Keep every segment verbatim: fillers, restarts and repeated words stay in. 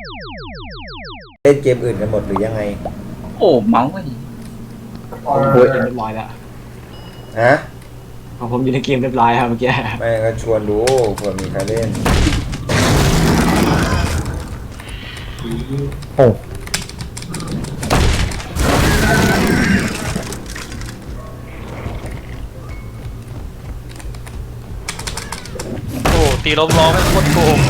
เล่นเกมอื่นกันหมดหรือยังไงโอ้เมาส์ไอ้โอ้ยเรียบร้อยแล้วฮะของผมอยู่ในเกมเรียบร้อยครับเมื่อกี้ไม่ก็ชวนดูเผื่อมีใครเล่นโอ้โอ้ตีลมล้อไม่โคตรโกง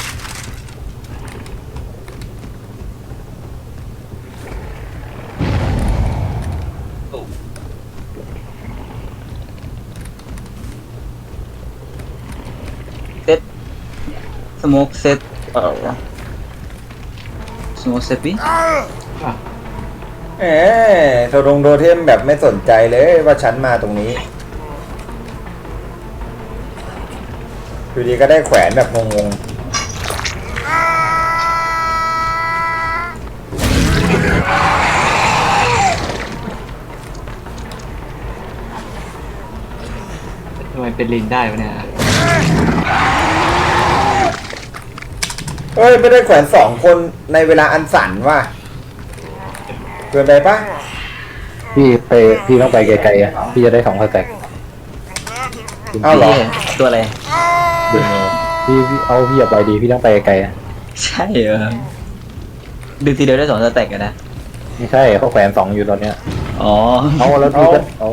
เซตสโมกเซตเออสโมกเซตพี่เอ๊ะโทดงโทเทมแบบไม่สนใจเลยว่าฉันมาตรงนี้อยู่ดีก็ได้แขวนแบบงงทำไมเป็นลินได้วะเนี่ยเฮ้ยไม่ได้แขวนสองคนในเวลาอันสั้นว่ะเกินไปปะพี่ไปพี่ต้องไปไกลๆอ่ะพี่จะได้สองสแต็กเอาเหรอตัวอะไรพี่เอาพี่อย่าไปดีพี่ต้องไปไกลอ่ะใช่เหรอดึงทีเดียวได้สองสแต็กกันนะไม่ใช่เขาแขวนสองอยู่ตอนเนี้ยอ๋อเอาแล้วพี่ก็เอา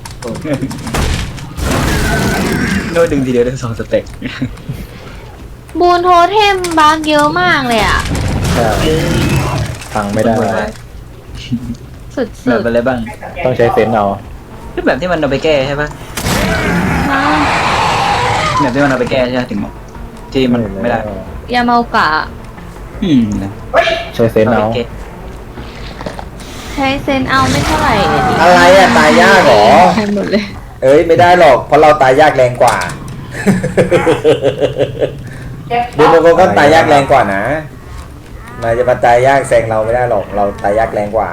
โน้ตดึงทีเดียวได้สองสเต็กบูนโทเทมบางเยอะมากเลยอ่ะใช่พังไม่ได้สุดๆแบบอะไรบ้างต้องใช้เซนเอารูปแบบที่มันเอาไปแก้ใช่ปะแบบที่มันเอาไปแก้ใช่ไหมถึงที่มันไม่ได้ยาเมากะอืมใช้เซนเอาใช้เซนเอาไม่เท่าไหร่อะไรอะตายยากหรอใช่หมดเลยเอ้ยไม่ได้หรอกเพราะเราตายยากแรงกว่าเดี๋ยวมันก็ตายยากแรงกว่านะนายจะมาตายยากแซงเราไม่ได้หรอกเราตายยากแรงกว่า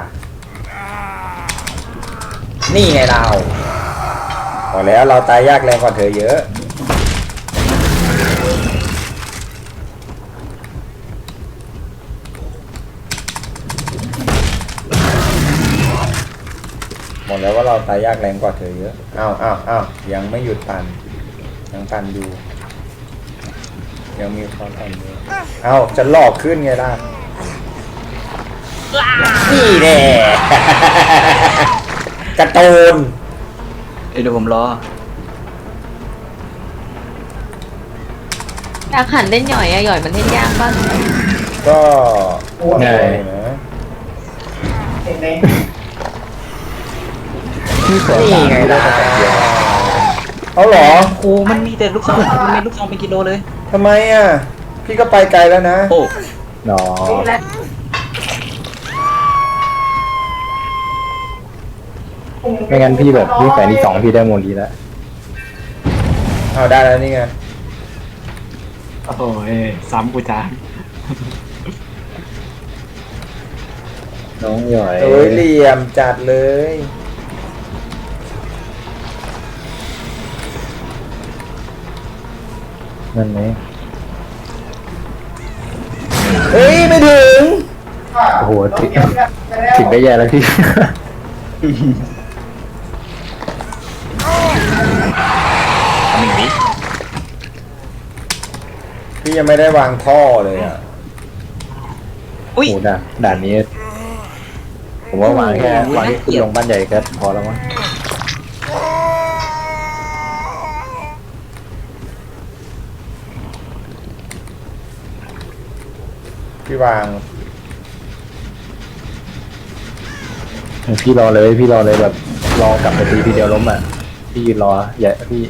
นี่ไงเราพอแล้วเราตายยากแรงกว่าเธอเยอะหมดแล้วว่าเราตายยากแรงกว่าเธอเยอะอ้าวอ้าวอ้าวยังไม่หยุดปั่นยังปั่นอยู่ยังมีความปั่นอยู่เอ้าจะหลอกขึ้นไงล่ะนี่แน่กระตูนเดี๋ยวผมรออยากหันเล่นหย่อยอะหย่อยมันเล่นยากบ้างก็ง่ายนะนี่ไงล่ะเอาเหรอโอ้มันมีแต่ลูกซองมันมีลูกซองเป็นกิโลเลยทำไมอ่ะพี่ก็ไปไกลแล้วนะโอ้หนอไม่งั้นพี่แบบพี่แฝงที่สองพี่ได้โมลีแล้วเอาได้แล้วนี่ไงโอ้โหซ้ำกูจ้าน้องหย่อยเอ้ยเหลี่ยมจัดเลยนั่นไหมเฮ้ยไม่ถึงโอ้โหถึงถึงได้แย่แล้วพี่พี่ยังไม่ได้วางท่อเลยอ่ะโอ้ด่านด่านนี้ผมว่าวางแค่วางที่ขึ้นลงบ้านใหญ่ก็พอแล้วมั้งพี่วางพี่รอเลยพี่รอเลยแบบรอกลับไปทีทีเดียวล้มอ่ะพี่ยืนรออย่าพี่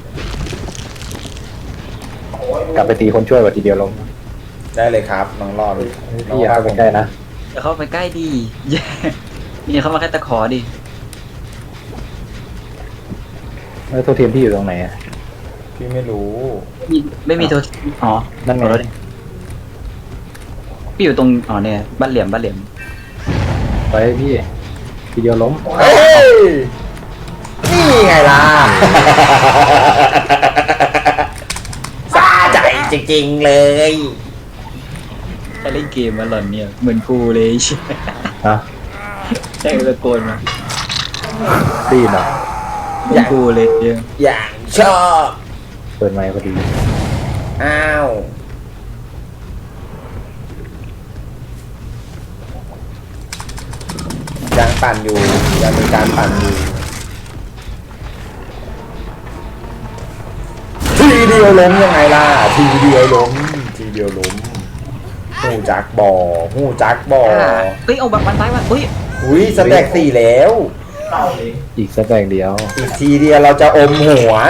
กลับไปตีคนช่วยกว่าทีเดียวล้มได้เลยครับน้องรอดพี่อย่าเข้าไปใกล้นะอย่าเข้าไปใกล้ดีมีเข้ามาแค่ตะขอดิแล้วโทรเทียมพี่อยู่ตรงไหนอ่ะพี่ไม่รู้ไม่มีโทรอ๋อนั่นไงพี่อยู่ตรงอ๋อเนี่ยบ้านเหลี่ยมบ้านเหลี่ยมไปพี่ทีเดียวล้มเฮ้ยนี่ไงล่ะสะใจจริงๆเลยใครเล่นเกมมาหล่อนเนี่ยเหมือนกูเลยใช่ฮะใช่ตะโกนมาตีนเหรอเหมือนกูเลยเนี่ยอย่างชอบเปิดไมค์พอดีอ้าวยังปั่นอยู่ยังมีการปั่นอยู่ทีเดียวล้มยังไงล่ะทีเดียวล้มทีเดียวล้มหูจักบ่อหูจักบ่อเฮ้ยเอาแบบวันตายวันเฮ้ยอุ้ยสแต็กสี่แล้วอีกสักแบกเดียวอีกทีเดียวเราจะอมหัว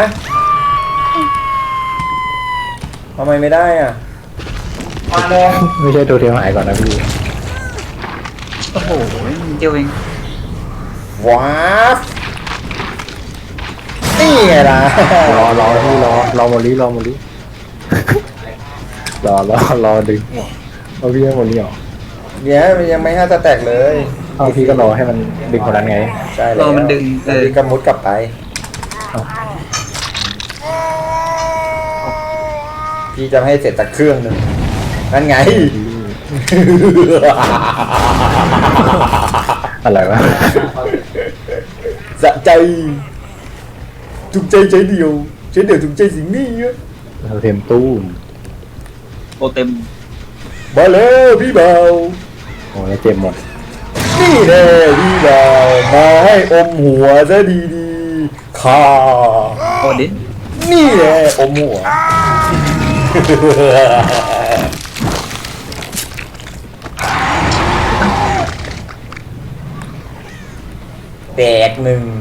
ทำไมไม่ได้อ่ะไม่ใช่ตัวเทียมหายก่อนนะพี่โอ้โหเดียวเองว้าฟนี่ไงล่ะรอรอพี่รอรอโมลิรอโมลิรอรอรอดึงเอาพี่ให้โมลิออกเดี๋ยวมันยังไม่ห้าสแต็กเลยเอาพี่ก็รอให้มันดึงคนนั้นไงใช่แล้วรอมันดึงเออพี่กำมุดกลับไปเอ้าพี่จะให้เสร็จจากเครื่องหนึ่งนั่นไงอะไรวะสะใจถูกใจใจเดียวใจเดียวถูกใจสิ่งนี้อะเราเทมตู้มโอเต็มมาแล้วพี่เบาโอ้ยเจ็บหมดนี่แน่พี่เบามาให้อมหัวซะดีๆค่ะโอดินนี่แน่อมหัว แตกหนึ่ง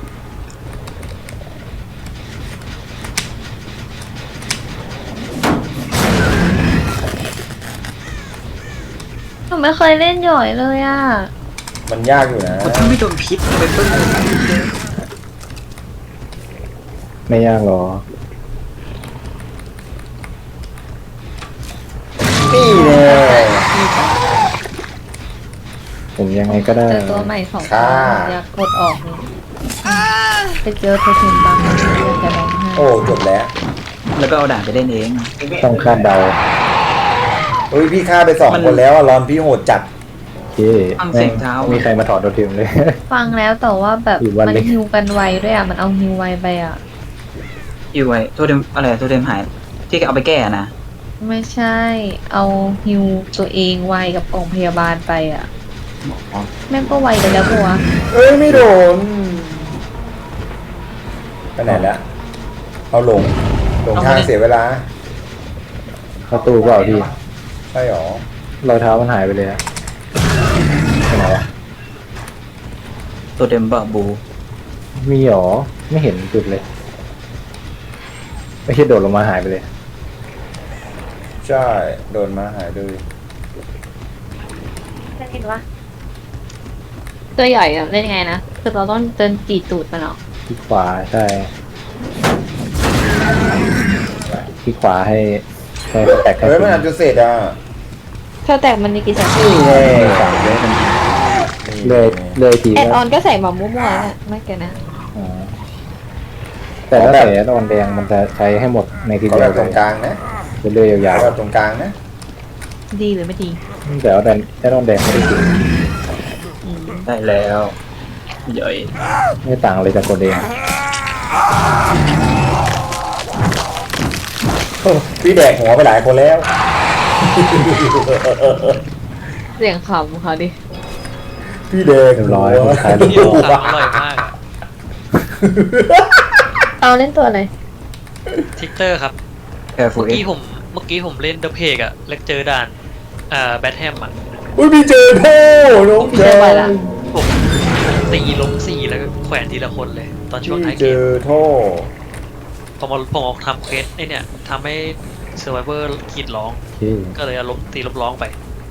หนูไม่เคยเล่นหย่อยเลยอ่ะมันยากอยู่นะถ้าไม่โดนพิษไปเพิ่งไม่ยากหรอนี่แน่ผมยังไงก็ได้เจอตัวใหม่สองตัค่ะวอยากกดออกเลยไปเจอโทรถึงบางคนอยากจะร้องไห้โอ้จบแล้วแล้วก็เอาด่านไปเล่นเองต้องคาดเดาเฮ้ยพี่ฆ่าไปสองมันคนแล้วอะรอนพี่โหดจัดโอเคฟังเสียงเท้ามีใครมาถอดตัวเทียมเลยฟังแล้วแต่ว่าแบบอีกวันมันเลยฮิวกันไวด้วยอ่ะ มันเอาฮิวไวไปอ่ะอยู่ไว้โทษเดมอะไรโทษเดมหายที่เอาไปแก้นะไม่ใช่ เอาฮิวตัวเองไวกับกล่องพยาบาลไปอ่ะ แม่งก็ไวไปแล้วปะวะเอ้ยไม่โดนไปไหนแล้วเอาหลงหลงทางเสียเวลาเข้าตู้เปล่าพี่ใช่หรอรอยเท้ามันหายไปเลยอะไปไหนวะตัวเดมบาบูมีหรอ ไม่เห็นจุดเลย ไม่ใช่โดดลงมาหายไปเลยใช่โดนมาหายเลยเห็นปะตัวใหญ่อะเล่นยังไงนะ คือเราต้องเดินจีตูดมันเหรอที่ขวาใช่ ที่ขวาให้ให้แตกให้เฮ้ยถึมันงอาจจะเสร็จอ่ะถ้าแตกมันมีกี่สายนี่ไงสั่งเยอะมันเลยเลยทีแอดอก็อนก็ใส่มามั่วๆนะไม่เกินนะอ๋อแต่ถ้าใส่แอดออนแดงมันจะใช้ให้หมดในทีเขาเดีแบยวบตรงกลางนะเรื่อยๆยาเขาวแบบตรงกลางนะดีหรือไม่ดีๆแต่ว่าแดงแอดออนแดงไม่ได้จริงอืมได้แล้วใหญ่ไม่ต่างอะไรจากคนเองพี่แดกหัวไปหลายคนแล้วเสียงขำเขาดิพี่แดกเรียบหัร้อวยคนขายพี่โอสั่งอร่อยมากเอาเล่นตัวอะไรทิกเตอร์ครับแอร์ฟูเมื่อเอ็กี้กผมเมื่อกี้ผมเล่นเดอะเพกอะแล้วเจอด่านอ่าแบทแฮมอะอุ้ยพี่เจอโท่น้องพี่เจเจออไปละผมตีล้มสี่แล้วก็แขวนทีละคนเลย ตอนช่วงท้ายพี่เกเจมอโท่ผมเอาผมเอาทำเควสไอเนี่ยทำให้เซอร์ไวเวอร์ขีดร้องที่ก็เลยเอาล้มตีล้มร้องไป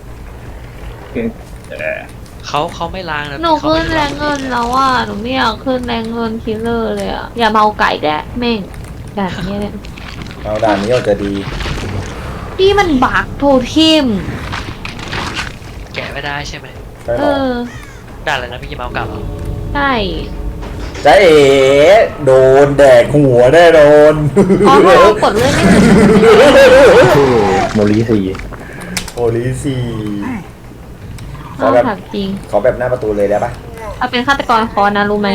เขาเขาไม่ล้างนะหนูเขาขึ้นไม่แรล้างงเงินแล้วอ่ะ หนูไม่อยากขึ้นแรงเงินคิลเลอร์เลยอ่ะ อย่าเมาไก่แกะแม่งด่านนี้เนี่ยเอาด่านนี้ออกจะดีนี่มันบักโทเทมแกะไม่ได้ใช่ไหมใช่หเอรออด่านอะไรนะพี่กิมเอากลับเหรอใช่จ้าเอ๋โดนแดกหัวแน่นอนอ๋อถ้าเรากดเลื่อนไม่ถึงชื่อโมลิซีโอลิสี่ขอเอาแบบถามจริงขอแบบหน้าประตูเลยได้ปะเอาเป็นฆาตกรคอนนะรู้ไหม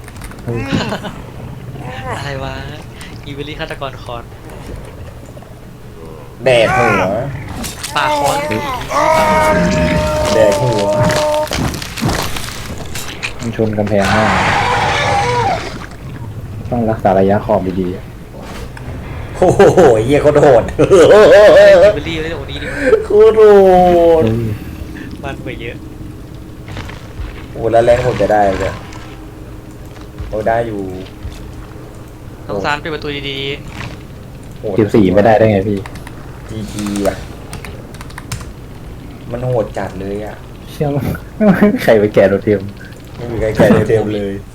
อะไรวะอีเวลี่ฆาตกรคอนแดกหัวปาคอนแดกหัวมันชนกำแพงมากต้องรักษาระยะขอบดีโอ้โหเหี้ยโคตรโหดอีเวลี่เล่นตรงนี้ดิโคตรโหดมันไปเยอะโอ้แล้วแรงผมจะได้เลยโอ้ได้อยู่ต้องซานปิดประตูดีโหดๆสิบสี่ไม่ได้ได้ไงพี่จีจีว่ะมันโหดจัดเลยอ่ะเชื่อมั้ยใครไปแกะโดดเทียมไม่มีใครแก่เต็มเลยๆ